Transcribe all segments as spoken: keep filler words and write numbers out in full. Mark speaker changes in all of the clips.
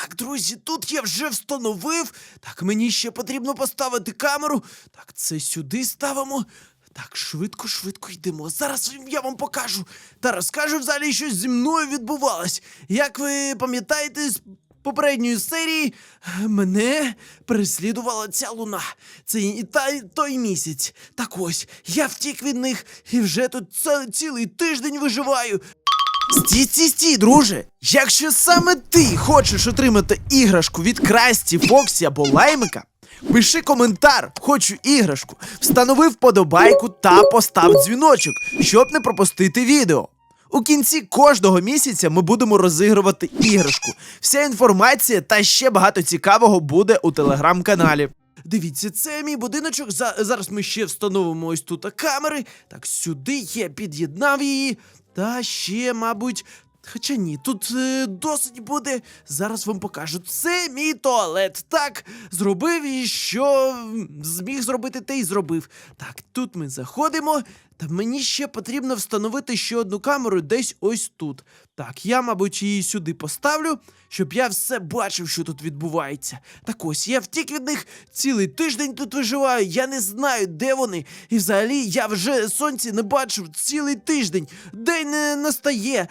Speaker 1: Так, друзі, тут я вже встановив. Так, мені ще потрібно поставити камеру. Так, це сюди ставимо. Так, швидко, швидко йдемо. Зараз я вам покажу та розкажу взагалі, що зі мною відбувалось. Як ви пам'ятаєте, з попередньої серії мене переслідувала ця луна. Це і та, той місяць. Так ось, я втік від них і вже тут ц цілий тиждень виживаю. Стій, стій, стій, друже! Якщо саме ти хочеш отримати іграшку від Красті, Фоксі або Лаймика, пиши коментар «Хочу іграшку», встанови вподобайку та постав дзвіночок, щоб не пропустити відео. У кінці кожного місяця ми будемо розігрувати іграшку. Вся інформація та ще багато цікавого буде у телеграм-каналі. Дивіться, це мій будиночок. За зараз ми ще встановимо ось тут камери. Так, сюди я під'єднав її. Та ще, мабуть... Хоча ні, тут е, досить буде. Зараз вам покажу. Це мій туалет. Так, зробив і що зміг зробити, те й зробив. Так, тут ми заходимо. Та мені ще потрібно встановити ще одну камеру десь ось тут. Так, я, мабуть, її сюди поставлю, щоб я все бачив, що тут відбувається. Так ось, я втік від них, цілий тиждень тут виживаю, я не знаю, де вони. І взагалі, я вже сонця не бачив цілий тиждень. День не настає.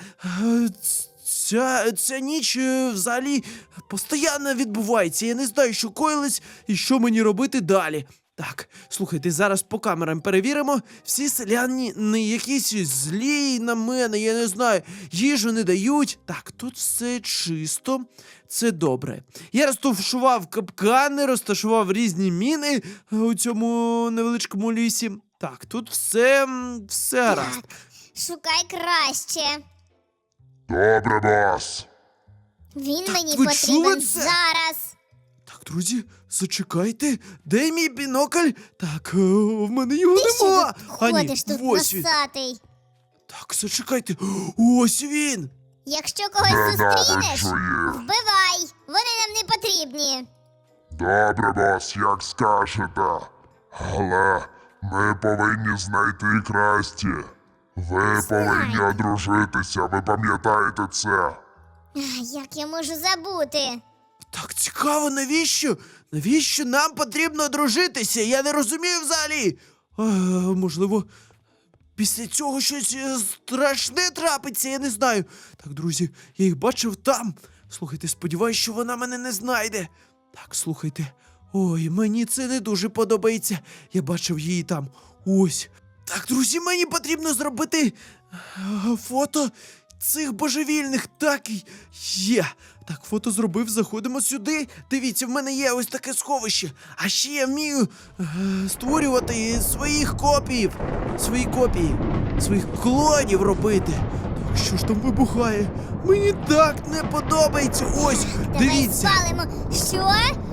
Speaker 1: Ця, ця ніч е, взагалі постійно відбувається. Я не знаю, що коїлось і що мені робити далі. Так, слухайте, зараз по камерам перевіримо. Всі селяни не якісь злі на мене, я не знаю, їжу не дають. Так, тут все чисто, це добре. Я розташував капкани, розташував різні міни у цьому невеличкому лісі. Так, тут все, все гаразд.
Speaker 2: Так, шукай краще.
Speaker 3: Добре, бос.
Speaker 2: Він
Speaker 1: Так,
Speaker 2: мені
Speaker 1: ви
Speaker 2: потрібен
Speaker 1: чули це?
Speaker 2: зараз.
Speaker 1: Так, друзі, зачекайте, де мій бінокль? Так, е, в мене його
Speaker 2: Ти що
Speaker 1: нема.
Speaker 2: тут
Speaker 1: А ні,
Speaker 2: ходиш тут
Speaker 1: ось він.
Speaker 2: носатий?
Speaker 1: Так, зачекайте, ось він.
Speaker 2: Якщо когось
Speaker 3: Ненавиджу
Speaker 2: зустрінеш,
Speaker 3: їх.
Speaker 2: вбивай. Вони нам не потрібні.
Speaker 3: Добре, бос, як скажете. Але ми повинні знайти Красті. Ви повинні одружитися, ви пам'ятаєте це?
Speaker 2: Ах, як я можу забути?
Speaker 1: Так цікаво, навіщо? Навіщо нам потрібно одружитися? Я не розумію взагалі. А, можливо, після цього щось е, страшне трапиться, я не знаю. Так, друзі, я їх бачив там. Слухайте, сподіваюсь, що вона мене не знайде. Так, слухайте. Ой, мені це не дуже подобається. Я бачив її там. Ось. Так, друзі, мені потрібно зробити е, фото цих божевільних. Так і є. Так, фото зробив, заходимо сюди. Дивіться, в мене є ось таке сховище. А ще я вмію е, створювати своїх копіїв. Свої копії, своїх клонів робити. Так, що ж там вибухає? Мені так не подобається. Ось,
Speaker 2: Давай
Speaker 1: дивіться.
Speaker 2: спалимо. Що?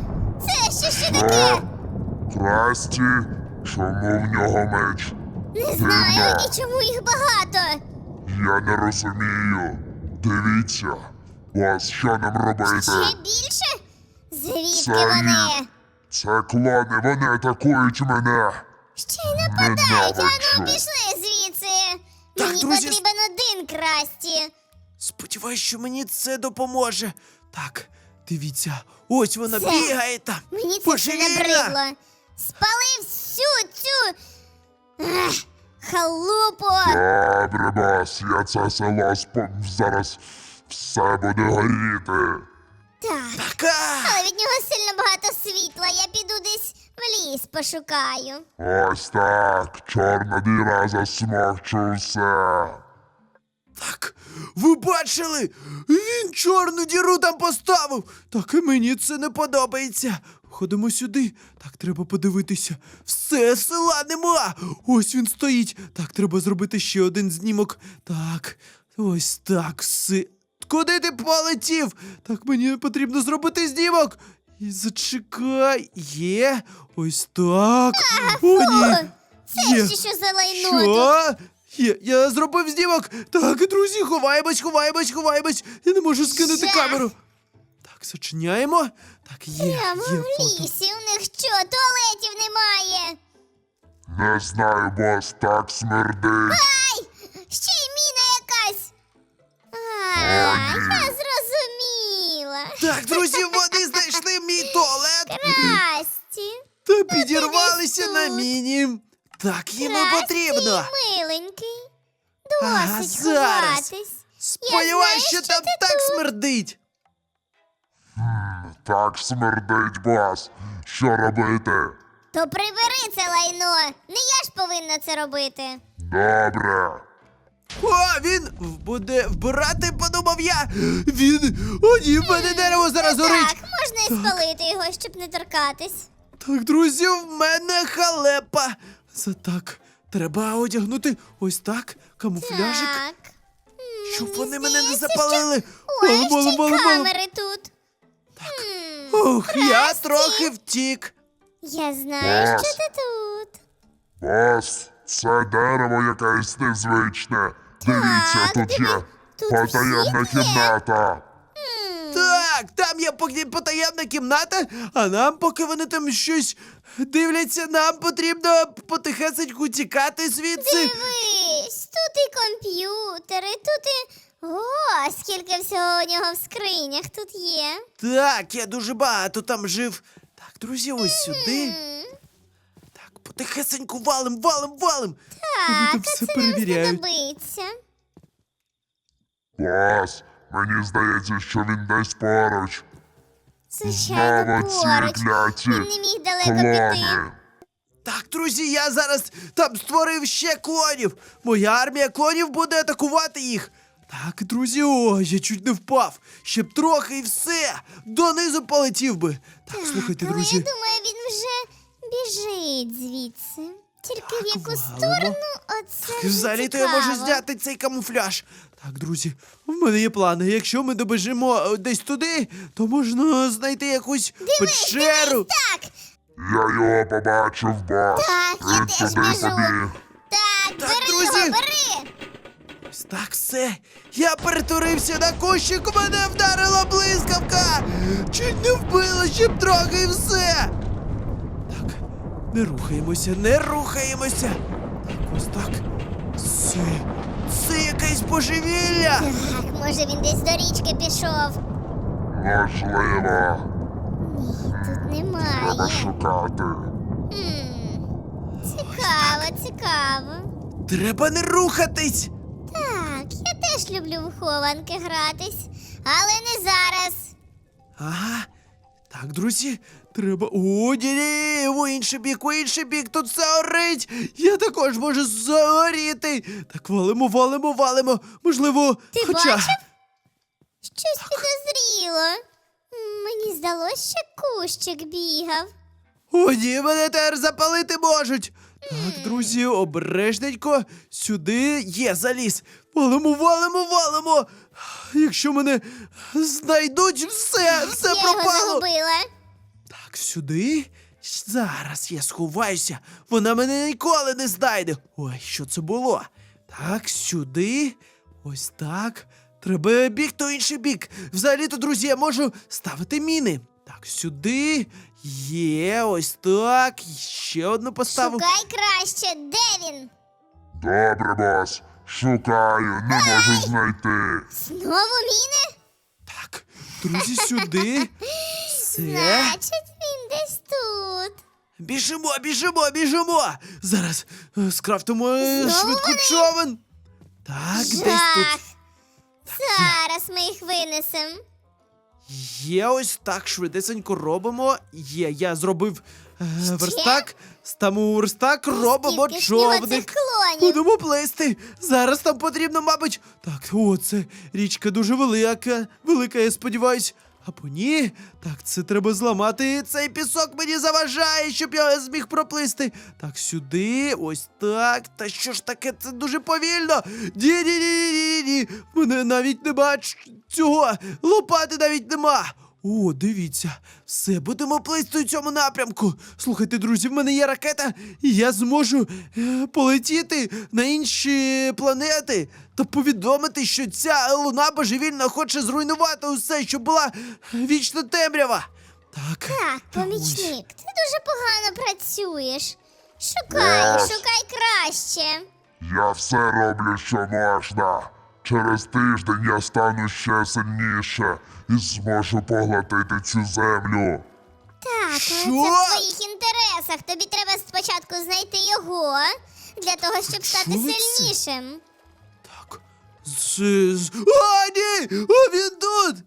Speaker 2: Це ще що таке?
Speaker 3: Красті, чому в нього меч?
Speaker 2: Не знаю,
Speaker 3: Дивно.
Speaker 2: і чому їх багато?
Speaker 3: Я не розумію. Дивіться. Бос, що нам робити?
Speaker 2: Ще більше? Звідки
Speaker 3: Це
Speaker 2: вони?
Speaker 3: їх. Це клони, вони атакують мене.
Speaker 2: Ще й нападають, а ну
Speaker 3: Ненавиджу.
Speaker 2: пішли звідси.
Speaker 1: Так,
Speaker 2: Мені
Speaker 1: друзі,
Speaker 2: потрібен один Красті.
Speaker 1: Сподіваюсь, що мені це допоможе. Так, дивіться, ось вона
Speaker 2: Це-
Speaker 1: бігає там.
Speaker 2: Мені це все
Speaker 1: Божевільна.
Speaker 2: набридло. Спали всю цю Ах, халупу.
Speaker 3: Добре, бос, я це село спом... зараз все буде горіти.
Speaker 2: Так,
Speaker 1: Така.
Speaker 2: але від нього сильно багато світла. Я піду десь в ліс пошукаю.
Speaker 3: Ось так, чорна діра засмокчу все.
Speaker 1: Так, ви бачили? Він чорну діру там поставив. Так, і мені це не подобається. Ходимо сюди. Так, треба подивитися. Все, села нема. Ось він стоїть. Так, треба зробити ще один знімок. Так, ось так, все. Куди ти полетів? Так, мені потрібно зробити знімок. І зачекай. Є. Ось так. О, ні.
Speaker 2: Це
Speaker 1: Є.
Speaker 2: ще що за лайно тут?
Speaker 1: Що? Є, я зробив знімок. Так, друзі, ховаємось, ховаємось, ховаємось. Я не можу скинути
Speaker 2: Жах.
Speaker 1: камеру. Так, зачиняємо. Так, є,
Speaker 2: Прямо
Speaker 1: є
Speaker 2: в
Speaker 1: фото.
Speaker 2: лісі. У них що, туалетів немає?
Speaker 3: Не знаю, бос, так смердить.
Speaker 2: Ай! Ще й міна якась. А, я зрозуміла.
Speaker 1: Так, друзі, вони знайшли мій туалет
Speaker 2: Красті.
Speaker 1: та підірвалися
Speaker 2: тут.
Speaker 1: на міні. Так, їм і
Speaker 2: Красті,
Speaker 1: потрібно.
Speaker 2: миленький.
Speaker 1: Ага,
Speaker 2: Досить
Speaker 1: зараз.
Speaker 2: ховатись.
Speaker 1: Сподіваюсь,
Speaker 2: знаю,
Speaker 1: що
Speaker 2: що
Speaker 1: там
Speaker 2: ти
Speaker 1: так
Speaker 2: тут.
Speaker 1: смердить.
Speaker 3: Так смердить, бос. Що робити?
Speaker 2: То прибери це лайно. Не я ж повинна це робити.
Speaker 3: Добре.
Speaker 1: О, він буде вбирати, подумав я. Він. О, ні, в мене дерево зараз горить.
Speaker 2: Так, можна і спалити його, щоб не торкатись.
Speaker 1: Так, друзі, в мене халепа. За так, треба одягнути ось так, камуфляжик,
Speaker 2: Так. М,
Speaker 1: щоб
Speaker 2: мені
Speaker 1: вони мене не
Speaker 2: здається,
Speaker 1: запалили.
Speaker 2: Що... Ой,
Speaker 1: Мало,
Speaker 2: ще й
Speaker 1: мало, мало.
Speaker 2: камери тут. Так.
Speaker 1: Ух, я трохи втік.
Speaker 2: Я знаю,
Speaker 3: Бас.
Speaker 2: що ти тут.
Speaker 3: Бос, це дерево якесь незвичне. Дивіться, тут
Speaker 2: диви,
Speaker 3: є
Speaker 2: тут
Speaker 3: потаємна
Speaker 2: всі є.
Speaker 3: кімната.
Speaker 1: Так, там є поки потаємна кімната, а нам, поки вони там щось дивляться, нам потрібно потихесеньку тікати звідси.
Speaker 2: Дивись, тут і комп'ютери, тут і... О, скільки всього у нього в скринях тут є.
Speaker 1: Так, я дуже багато там жив. Так, друзі, ось сюди.
Speaker 2: М,
Speaker 1: Так, потихесеньку валим, валим, валим. Вони
Speaker 2: Так,
Speaker 1: там
Speaker 2: а
Speaker 1: все
Speaker 2: це нам
Speaker 1: перевіряють.
Speaker 2: знадобиться.
Speaker 3: Бос, мені здається, що він десь поруч.
Speaker 2: Звичайно,
Speaker 3: Знову ці
Speaker 2: поруч.
Speaker 3: кляті
Speaker 2: Він не міг далеко піти.
Speaker 3: клони.
Speaker 1: Так, друзі, я зараз там створив ще клонів. Моя армія клонів буде атакувати їх. Так, друзі, о, я чуть не впав. Ще б трохи і все. Донизу полетів би. Так, слухайте,
Speaker 2: Але
Speaker 1: друзі.
Speaker 2: я думаю, він вже біжить звідси. Тільки в яку
Speaker 1: валимо.
Speaker 2: сторону, оце
Speaker 1: Так,
Speaker 2: вже
Speaker 1: взагалі-то я можу
Speaker 2: цікаво.
Speaker 1: зняти цей камуфляж. Так, друзі, в мене є плани. Якщо ми добежимо е, десь туди, то можна знайти якусь печеру.
Speaker 2: Так,
Speaker 3: Я його побачив, бос.
Speaker 2: Так, я
Speaker 3: Він
Speaker 2: теж
Speaker 3: туди
Speaker 2: біжу.
Speaker 3: побіг.
Speaker 2: так,
Speaker 1: Так,
Speaker 2: бери
Speaker 1: друзі.
Speaker 2: його, бери.
Speaker 1: Ось так все. Я перетворився на кущик, мене вдарила блискавка. Чуть не вбила, ще б трохи і все. Так, не рухаємося, не рухаємося. Так, ось так. Це. Це якесь божевілля.
Speaker 2: Так, може він десь до річки пішов.
Speaker 3: Можливо.
Speaker 2: Тут
Speaker 3: Треба
Speaker 2: немає.
Speaker 3: шукати.
Speaker 2: М, Цікаво, цікаво.
Speaker 1: Треба не рухатись.
Speaker 2: Так, я теж люблю в хованки гратись, але не зараз.
Speaker 1: Ага. Так, друзі, треба. О, ні-ні, в інший бік, в інший бік, тут все горить. Я також можу загоріти. Так, валимо, валимо, валимо. Можливо,
Speaker 2: Ти
Speaker 1: хоча.
Speaker 2: бачив? Щось підозріло. М, Мені здалося, що кущик бігав.
Speaker 1: О, ні, мене тепер запалити можуть. Так, друзі, обережненько. Сюди є заліз. Валимо, валимо, валимо. Якщо мене знайдуть, все, все
Speaker 2: я його
Speaker 1: пропало.
Speaker 2: загубила.
Speaker 1: Так, сюди. Зараз я сховаюся. Вона мене ніколи не знайде. Ой, що це було? Так, сюди. Ось так. Треба бігти в інший бік. Взагалі-то, друзі, я можу ставити міни. Так, сюди. Є, ось так. Ще одну поставив.
Speaker 2: Шукай краще, де він?
Speaker 3: Добре, бос. Шукаю, не можу знайти.
Speaker 2: Знову міни?
Speaker 1: Так, друзі, сюди. Все.
Speaker 2: Значить, він десь тут.
Speaker 1: Біжимо, біжимо, біжимо. Зараз е, скрафтимо е,
Speaker 2: Знову
Speaker 1: швидко
Speaker 2: вони?
Speaker 1: човен. Так, десь
Speaker 2: Жах.
Speaker 1: тут.
Speaker 2: Зараз ми їх винесемо.
Speaker 1: Є, ось так швидесенько робимо. Є, я зробив е, верстак. Ставимо верстак, робимо
Speaker 2: Скільки ж в нього цих
Speaker 1: човник.
Speaker 2: клонів?
Speaker 1: Будемо плисти. Зараз нам потрібно, мабуть. Так, о, це річка дуже велика. Велика, я сподіваюсь. Або ні. Так, це треба зламати. Цей пісок мені заважає, щоб я зміг проплисти. Так, сюди, ось так. Та що ж таке? Це дуже повільно. Ні-ні-ні-ні-ні. В мене навіть нема ч- цього. Лопати навіть нема. О, дивіться, все, будемо плисти у цьому напрямку. Слухайте, друзі, в мене є ракета, і я зможу е, полетіти на інші планети та повідомити, що ця луна божевільна хоче зруйнувати усе, що була вічно темрява. Так,
Speaker 2: Так,
Speaker 1: ось.
Speaker 2: помічник, ти дуже погано працюєш. Шукай,
Speaker 3: Раз.
Speaker 2: шукай краще.
Speaker 3: Я все роблю, що можна. через тиждень я стану ще сильніше і зможу поглотити цю землю.
Speaker 2: Так, але
Speaker 1: Що?
Speaker 2: це в твоїх інтересах. Тобі треба спочатку знайти його для того, щоб стати
Speaker 1: Чого це?
Speaker 2: сильнішим.
Speaker 1: Так. З... з... О, ні! О, він тут!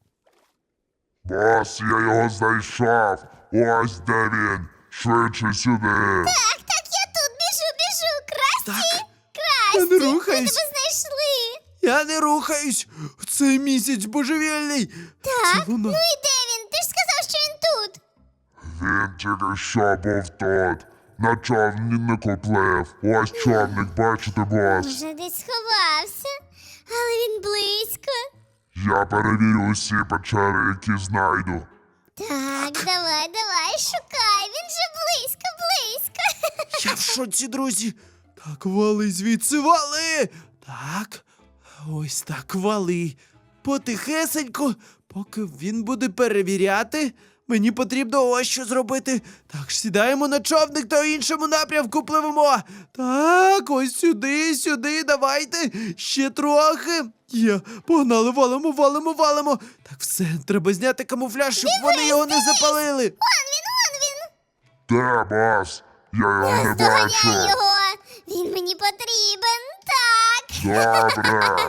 Speaker 3: Бос, я його знайшов. Ось де він. Швидше сюди.
Speaker 2: Так, так, я тут біжу, біжу. Красті!
Speaker 1: Так.
Speaker 2: Красті!
Speaker 1: Я не
Speaker 2: Ми
Speaker 1: рухаюсь.
Speaker 2: тебе знайшли.
Speaker 1: Я не рухаюсь! Цей місяць божевільний!
Speaker 2: Так,
Speaker 1: Це воно.
Speaker 2: ну і де він? Ти ж сказав, що він тут.
Speaker 3: Він тільки що був тут. На човнику плив. Ось човник, бачите, бос.
Speaker 2: Може, десь сховався, але він близько.
Speaker 3: Я перевірю усі печери, які знайду.
Speaker 2: Так, давай, давай, шукай. Він же близько, близько.
Speaker 1: Я в шоці, друзі! Так, вали звідси, вали! Так, ось так, вали. Потихесенько, поки він буде перевіряти, мені потрібно ось що зробити. Так, сідаємо на човник та в іншому напрямку пливемо. Так, ось сюди, сюди, давайте. Ще трохи. Є, погнали, валимо, валимо, валимо. Так, все, треба зняти камуфляж, щоб вони його не запалили.
Speaker 2: Вон він, вон він.
Speaker 3: Де, бос? Я його не
Speaker 2: Наздоганяй
Speaker 3: бачу.
Speaker 2: його. Він мені потрібен. Так.
Speaker 3: Добре.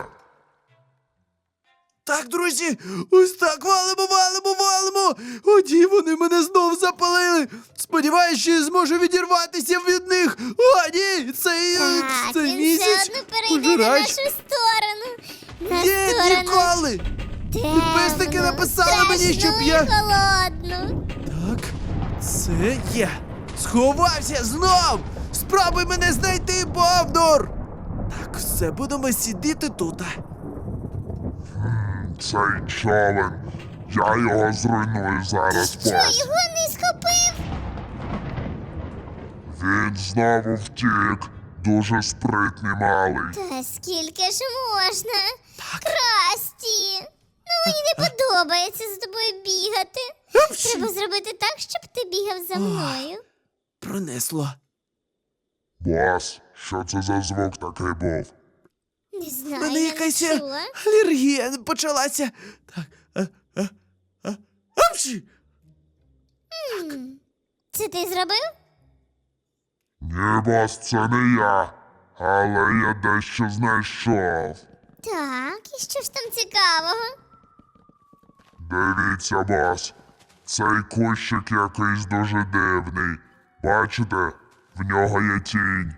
Speaker 1: Так, друзі, ось так, валимо, валимо, валимо. О, ні, вони мене знов запалили. Сподіваюсь, що я зможу відірватися від них. О, ні, цей, е,
Speaker 2: Так,
Speaker 1: цей
Speaker 2: він
Speaker 1: місяць.
Speaker 2: все одно перейде на
Speaker 1: пожирач.
Speaker 2: нашу сторону. На
Speaker 1: Ні,
Speaker 2: сторону.
Speaker 1: ніколи. Підписники
Speaker 2: темну,
Speaker 1: написали мені, щоб
Speaker 2: страшну
Speaker 1: я-
Speaker 2: і холодну.
Speaker 1: Так, це є. Сховався знов. Спробуй мене знайти, Бовдур. Так, все, будемо сидіти тут.
Speaker 3: Цей човен. Я його зруйную зараз,
Speaker 2: Що,
Speaker 3: бос.
Speaker 2: його не схопив?
Speaker 3: Він знову втік. Дуже спритний малий.
Speaker 2: Та скільки ж можна?
Speaker 1: Так.
Speaker 2: Красті! Ну мені не подобається з тобою бігати.
Speaker 1: Апчі.
Speaker 2: Треба зробити так, щоб ти бігав за мною.
Speaker 1: Пронесло.
Speaker 3: Бос, що це за звук такий був?
Speaker 2: Не
Speaker 1: У
Speaker 2: знаю,
Speaker 1: мене
Speaker 2: я
Speaker 1: якась
Speaker 2: не
Speaker 1: е,
Speaker 2: чула.
Speaker 1: алергія почалася. Так. А, а, а. Апчі!
Speaker 2: М, Це ти зробив?
Speaker 3: Ні, бос, це не я. Але я дещо знайшов.
Speaker 2: Так, і що ж там цікавого?
Speaker 3: Дивіться, бос. Цей кущик якийсь дуже дивний. Бачите? В нього є тінь.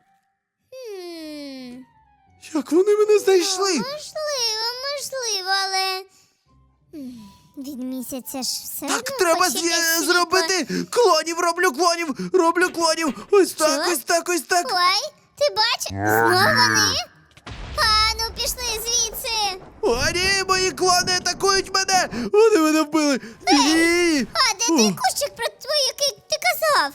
Speaker 2: М,
Speaker 1: Як вони мене знайшли?
Speaker 2: Можливо, можливо, але м, від місяця ж все
Speaker 1: Так,
Speaker 2: одно
Speaker 1: треба
Speaker 2: хоч
Speaker 1: з-
Speaker 2: якесь світло.
Speaker 1: зробити клонів, роблю клонів, роблю клонів. Ось так,
Speaker 2: Що?
Speaker 1: ось так, ось так.
Speaker 2: Ой, ти бачиш?
Speaker 3: О,
Speaker 2: Знову
Speaker 3: ні.
Speaker 2: вони? А, ну пішли звідси.
Speaker 1: О, ні, мої клони атакують мене! Вони мене вбили! Ні!
Speaker 2: А, де той кущик про твій, який ти казав?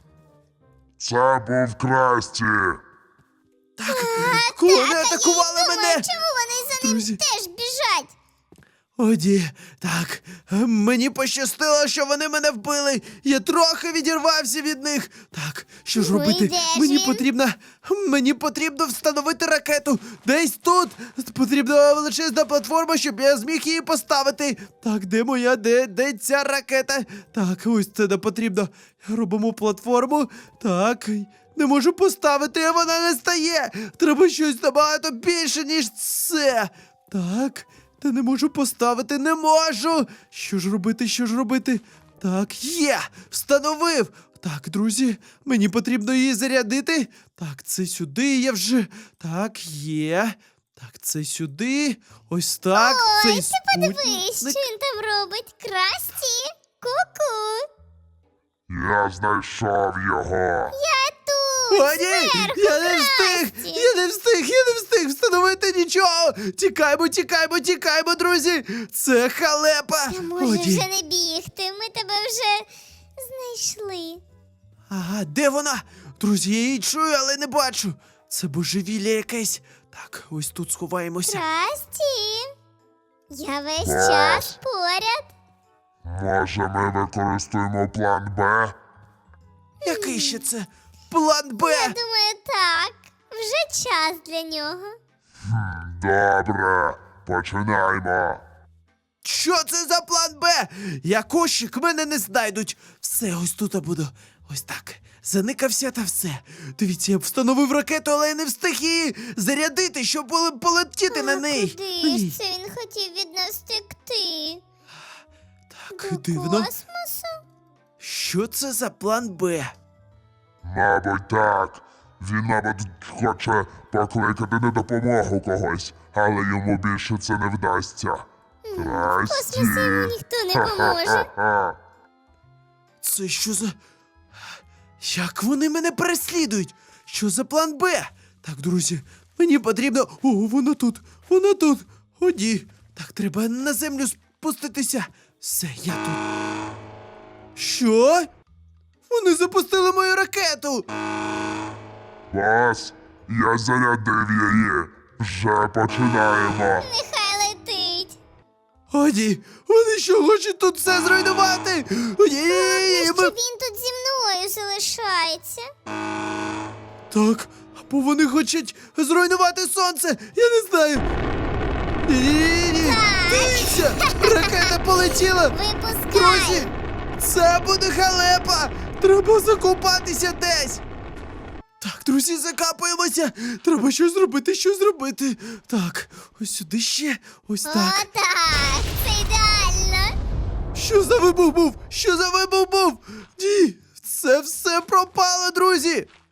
Speaker 3: Це був Красті.
Speaker 1: Так, клони атакували
Speaker 2: Я думаю,
Speaker 1: мене!
Speaker 2: чому вони за ним
Speaker 1: Друзі.
Speaker 2: теж біжать?
Speaker 1: О, ні, так, е, мені пощастило, що вони мене вбили. Я трохи відірвався від них. Так, що ж
Speaker 2: Ну,
Speaker 1: робити?
Speaker 2: і де ж
Speaker 1: Мені
Speaker 2: він?
Speaker 1: потрібно. Мені потрібно встановити ракету. Десь тут потрібна величезна платформа, щоб я зміг її поставити. Так, де моя, де, де ця ракета? Так, ось це не потрібно. Робимо платформу. Так. Не можу поставити, а вона не стає. Треба щось набагато більше, ніж це. Так. Та не можу поставити, не можу. Що ж робити, що ж робити? Так, є! Встановив! Так, друзі, мені потрібно її зарядити. Так, це сюди я вже. Так, є. Так, це сюди. Ось так.
Speaker 2: Ой,
Speaker 1: цей
Speaker 2: ти подивись, що
Speaker 1: спутник.
Speaker 2: він там робить. Красті, ку-ку.
Speaker 3: Я знайшов його.
Speaker 2: Я тут,
Speaker 1: О, ні!
Speaker 2: зверху,
Speaker 1: Я не встиг!
Speaker 2: Красті.
Speaker 1: Я не встиг! Я не встиг встановити нічого! Тікаймо, тікаймо, тікаймо, друзі! Це халепа!
Speaker 2: Та
Speaker 1: О,
Speaker 2: може
Speaker 1: ні.
Speaker 2: вже не бігти, ми тебе вже знайшли.
Speaker 1: Ага, де вона? Друзі, я її чую, але не бачу. Це божевілля якесь. Так, ось тут сховаємося.
Speaker 2: Красті, я весь
Speaker 3: Ах.
Speaker 2: час поряд.
Speaker 3: Може, ми використаємо план Б?
Speaker 1: Який ще це? План Б!
Speaker 2: Я думаю, так. Вже час для нього.
Speaker 3: Добре, починаємо.
Speaker 1: Що це за план Б? Я кошик, мене не знайдуть. Все, ось тут я буду. Ось так. Заникався та все. Дивіться, я встановив ракету, але я не встиг її зарядити, щоб поле- полетіти на
Speaker 2: А
Speaker 1: неї.
Speaker 2: куди
Speaker 1: Ні.
Speaker 2: ж це він хотів від нас втекти?
Speaker 1: Так,
Speaker 2: До
Speaker 1: дивно.
Speaker 2: космосу?
Speaker 1: Що це за план Б?
Speaker 3: Мабуть, так. Він, мабуть, хоче покликати на допомогу когось, але йому більше це не вдасться.
Speaker 2: В космосі йому ніхто не поможе.
Speaker 3: Ха-ха-ха-ха.
Speaker 1: Це що за. Як вони мене переслідують? Що за план Б? Так, друзі, мені потрібно. О, вона тут, вона тут. О, ні. Так, треба на землю спуститися. Все, я тут. Що? Вони запустили мою ракету.
Speaker 3: Бас, я зарядив її. Вже починаємо.
Speaker 2: Нехай летить.
Speaker 1: О, ні. Вони що, хочуть тут все зруйнувати? О, ні, ні, ні, ні,
Speaker 2: Що
Speaker 1: ми-
Speaker 2: він тут зі мною залишається?
Speaker 1: Так, або вони хочуть зруйнувати сонце. Я не знаю. Ні-ні-ні. Дивіться! Ракета полетіла!
Speaker 2: Випускай!
Speaker 1: Друзі! Це буде халепа! Треба закопатися десь! Так, друзі, закапуємося! Треба щось зробити, щось зробити. Так, ось сюди ще, ось так.
Speaker 2: Отак, це ідеально.
Speaker 1: Що за вибух був? Що за вибух був? Ні, це все пропало, друзі!